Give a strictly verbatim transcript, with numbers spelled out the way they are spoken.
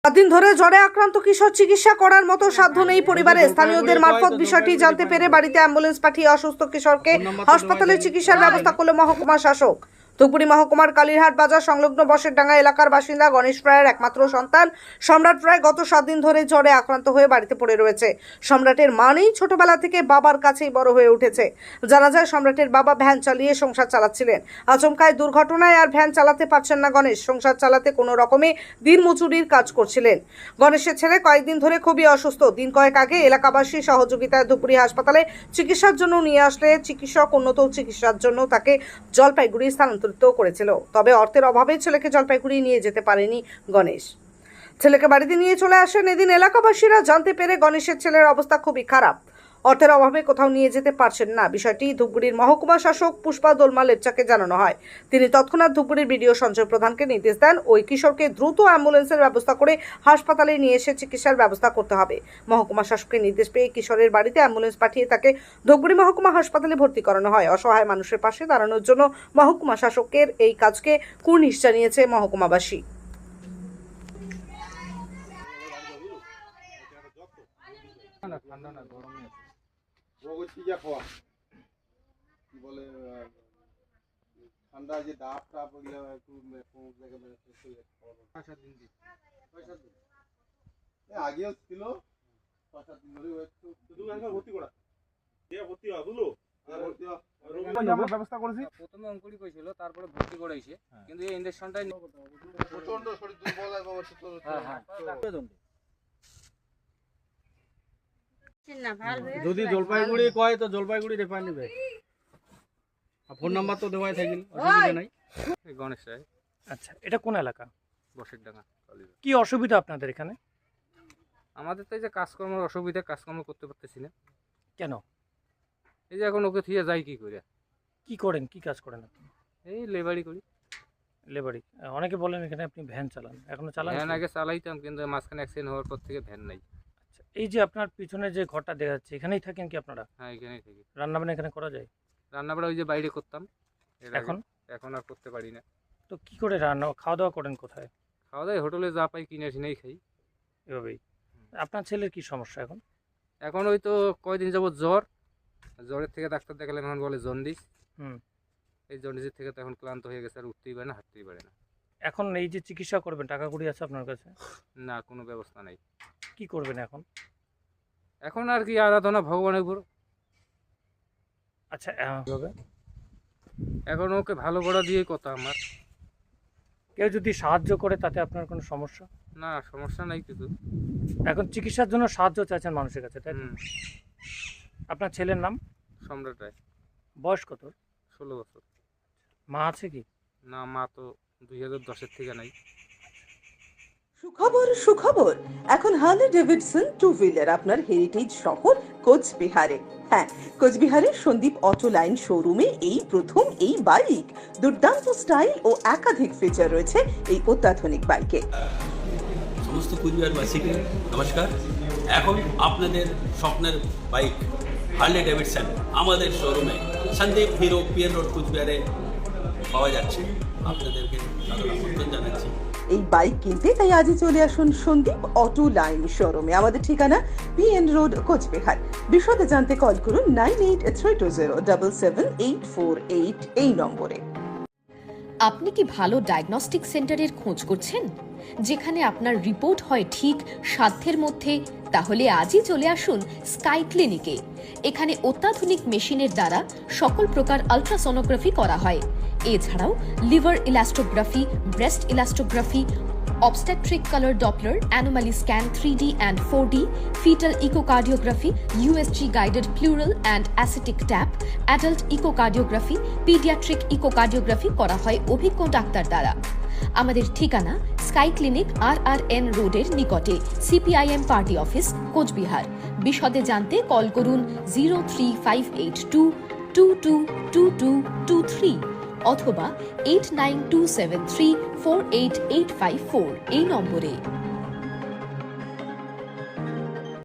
সাত দিন ধরে জ্বরে আক্রান্ত কিশোর চিকিৎসা করার মতো সাধ্য নেই পরিবারে। স্থানীয়দের মারফত বিষয়টি জানতে পেরে বাড়িতে অ্যাম্বুলেন্স পাঠিয়ে অসুস্থ কিশোরকে হাসপাতালে চিকিৎসার ব্যবস্থা করল মহকুমা শাসক। ধুপগুড়ি মহকুমার কালীরহাট বাজার সংলগ্ন বসেরডাঙ্গা এলাকার বাসিন্দা গণেশ রায়ের একমাত্র সন্তান সম্রাট রায় গত সাত দিন ধরে জ্বরে আক্রান্ত হয়ে বাড়িতে পড়ে রয়েছে। সম্রাটের মা নেই, ছোটবেলা থেকে বাবার কাছেই বড় হয়ে উঠেছে। জানা যায় সম্রাটের বাবা ভ্যান চালিয়ে সংসার চালাচ্ছিলেন। আচমকায় দুর্ঘটনায় আর ভ্যান চালাতে পারছেন না গণেশ। সংসার চালাতে কোনো রকমে দিন মজুরির কাজ করছিলেন। গণেশের ছেলে কয়েকদিন ধরে খুবই অসুস্থ। দিন কয়েক আগে এলাকাবাসী সহযোগিতায় ধুপগুড়ি হাসপাতালে চিকিৎসার জন্য নিয়ে আসলে চিকিৎসক উন্নত চিকিৎসার জন্য তাকে জলপাইগুড়ি স্থানান্তরিত করেছিল। তবে অর্থের অভাবে ছেলেকে জলপাইগুড়ি নিয়ে যেতে পারেনি গণেশ। ছেলেকে বাড়িতে নিয়ে চলে আসেন। এদিন এলাকাবাসীরা জানতে পেরে গণেশের ছেলের অবস্থা খুবই খারাপ। অর্থের অভাবে কোথাও নিয়ে যেতে পারছেন না। বিষয়টি ধুপগুড়ির মহকুমা শাসক পুষ্পা দোলমা লেপচাকে জানানো হয়। তিনি তৎক্ষণাৎ ধুপগুড়ির বিডিও সঞ্জয় প্রধানকে নির্দেশ দেন ওই কিশোরকে দ্রুত অ্যাম্বুলেন্সের ব্যবস্থা করে হাসপাতালে নিয়ে এসে চিকিৎসার ব্যবস্থা করতে হবে। মহকুমা শাসকের নির্দেশ পেয়ে কিশোরের বাড়িতে অ্যাম্বুলেন্স পাঠিয়ে তাকে ধুপগুড়ি মহকুমা হাসপাতালে ভর্তি করানো হয়। অসহায় মানুষের পাশে দাঁড়ানোর জন্য মহকুমা শাসকের এই কাজকে কুর্নিশ জানিয়েছে মহকুমাবাসী। কি বলে ঠান্ডা যে ডাব টাপ ওইগুলো একটু আগেও ছিল, পাঁচ সাত দিন ধরে একটু ভর্তি করা ভর্তি হয় বুঝলো ব্যবস্থা করেছি। প্রথমে অঙ্কুরি কইছিল, তারপরে ভর্তি করেছে, কিন্তু এই ইনজেকশনটাই প্রচন্ড শরীর দুর্বল এবং যদি জলপাইগুড়ি কয় তো জলপাইগুড়ি রেফার নেবে। ফোন নাম্বার তো দেওয়াই থাকিল, অসুবিধা নাই। গণেশ রায়। আচ্ছা, এটা কোন এলাকা? বসেরডাঙ্গা। কি অসুবিধা আপনাদের এখানে? আমাদের তো এই যে কাজকর্মের অসুবিধা, কাজকর্ম করতে পারতেছি না। কেন? এই যে এখন ওকে থিয়ে যাই কি করে। কি করেন, কি কাজ করেন আপনি? এই লেবারি করি। লেবারি। অনেকে বলেন এখানে আপনি ভ্যান চালান, এখনো চালান? ভ্যান আগে চালাইতাম, কিন্তু মাঝখানে অ্যাক্সিডেন্ট হওয়ার পর থেকে ভ্যান নাই। আচ্ছা, এই যে আপনার পিছনে যে ঘরটা দেখা যাচ্ছে, এখানেই থাকেন কি আপনারা? হ্যাঁ, এখানেই থাকি। রান্না বান্না এখানে করা যায়? রান্না বান্না ওই যে বাইরে করতাম, এখন এখন আর করতে পারি না। তো কি করে রান্না খাওয়া দাওয়া করেন কোথায়? খাওয়া দাওয়া হোটেলে যা পাই কিনে কিনেই খাই এভাবেই। আপনার ছেলের কি সমস্যা এখন? এখন ওই তো কয়দিন যাবত জ্বর, জ্বরের থেকে ডাক্তার দেখালাম, এখন বলে জন্ডিস। হুম। এই জন্ডিসের থেকে তো এখন ক্লান্ত হয়ে গেছে, আর উঠতেই পারে না, হাঁটতেই পারে না। এখন এই যে চিকিৎসা করবেন, টাকা কড়ি আছে আপনার কাছে? না, কোনো ব্যবস্থা নাই। কি করবেন এখন? এখন আর কি আরাধনা ভগবানের উপর। আচ্ছা, এভাবে এখন ওকে ভালো করা দিয়ে কথা আমার। কেউ যদি সাহায্য করে তাতে আপনার কোনো সমস্যা? না, সমস্যা নাই কিছু। এখন চিকিৎসার জন্য সাহায্য চাইছেন মানুষের কাছে, তাই? আপনার ছেলের নাম? সম্রাট রায়। বয়স কত? ষোলো বছর। মা আছে কি? না, মা তো দুই হাজার দশের থেকে নাই। সুখবর সুখবর, এখন হার্লে ডেভিডসন টু হুইলার আপনার হেরিটেজ শহর কোচবিহারে। হ্যাঁ, কোচবিহারের সন্দীপ অটো লাইন শোরুমে এই প্রথম এই বাইক। দুর্দান্ত স্টাইল ও একাধিক ফিচার রয়েছে এই অত্যাধুনিক বাইকে। সমস্ত কোচবিহারবাসীকে নমস্কার। এখন আপনাদের স্বপ্নের বাইক হার্লে ডেভিডসন আমাদের শোরুমে সন্দীপ হিরো পিএন রোড কোচবিহারে পাওয়া যাচ্ছে। আপনাদেরকে আমন্ত্রণ জানাচ্ছি এই বাইক কিনতে, তাই আজই চলে আসুন সন্দীপ অটো লাইন শোরুমে। আমাদের ঠিকানা পিএন রোড কোচবিহার। বিশদে জানতে কল করুন nine eight three two zero double seven eight four eight এই নম্বরে। আপনি কি ভালো ডায়াগনস্টিক সেন্টারের খোঁজ করছেন, যেখানে আপনার রিপোর্ট হয় ঠিক সাধ্যের মধ্যে? তাহলে আজই চলে আসুন স্কাই ক্লিনিকে। এখানে অত্যাধুনিক মেশিনের দ্বারা সকল প্রকার আলট্রাসোনোগ্রাফি করা হয়। এছাড়াও liver elastography, breast elastography, obstetric color Doppler, anomaly scan three D and four D, fetal echocardiography, U S G guided pleural and ascitic tap, adult echocardiography, pediatric echocardiography করা হয় অভিজ্ঞ ডাক্তার দ্বারা। আমাদের ঠিকানা sky clinic R R N রোডের নিকটে, CPIM party office, Cooch Behar. বিশদে জানতে কল করুন zero three five eight two two two two two two three অথবা eight nine two seven three four eight eight five four এই নম্বরে।